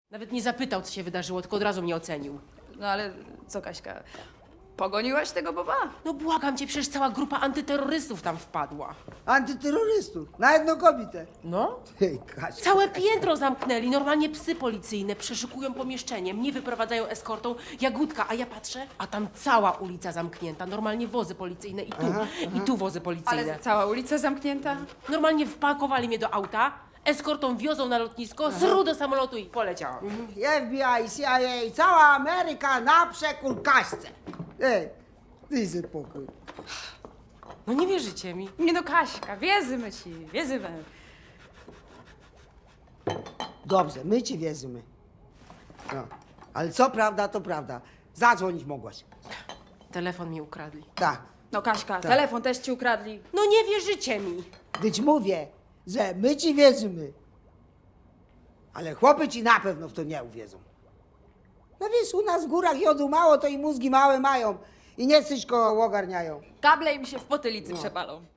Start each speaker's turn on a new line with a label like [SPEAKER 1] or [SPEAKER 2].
[SPEAKER 1] Nawet nie zapytał, co się wydarzyło, tylko od razu mnie ocenił.
[SPEAKER 2] No ale co, Kaśka, pogoniłaś tego Boba?
[SPEAKER 1] No błagam cię, przecież cała grupa antyterrorystów tam wpadła.
[SPEAKER 3] Antyterrorystów, na jedną kobietę.
[SPEAKER 1] No?
[SPEAKER 3] Hej, Kasia.
[SPEAKER 1] Całe piętro zamknęli, normalnie psy policyjne przeszukują pomieszczenie, mnie wyprowadzają eskortą, Jagódka, a ja patrzę, a tam cała ulica zamknięta, normalnie wozy policyjne i tu wozy policyjne.
[SPEAKER 2] Ale cała ulica zamknięta?
[SPEAKER 1] Normalnie wpakowali mnie do auta, eskortą wiozą na lotnisko, zru do samolotu i poleciałam.
[SPEAKER 3] FBI, CIA, cała Ameryka na przekór Kaśce. Ej, ty się spokój.
[SPEAKER 1] No nie wierzycie mi.
[SPEAKER 2] Nie no, Kaśka, wierzymy ci, wierzymy.
[SPEAKER 3] Dobrze, my ci wierzymy. No. Ale co prawda, to prawda. Zadzwonić mogłaś.
[SPEAKER 1] Telefon mi ukradli.
[SPEAKER 3] Tak.
[SPEAKER 2] No Kaśka, telefon też ci ukradli.
[SPEAKER 1] No nie wierzycie mi.
[SPEAKER 3] Gdyż mówię, że my ci wierzymy. Ale chłopy ci na pewno w to nie uwierzą. No wiesz, u nas w górach jodu mało, to i mózgi małe mają. I nie wszystko ogarniają.
[SPEAKER 2] Kable im się w potylicy przepalą.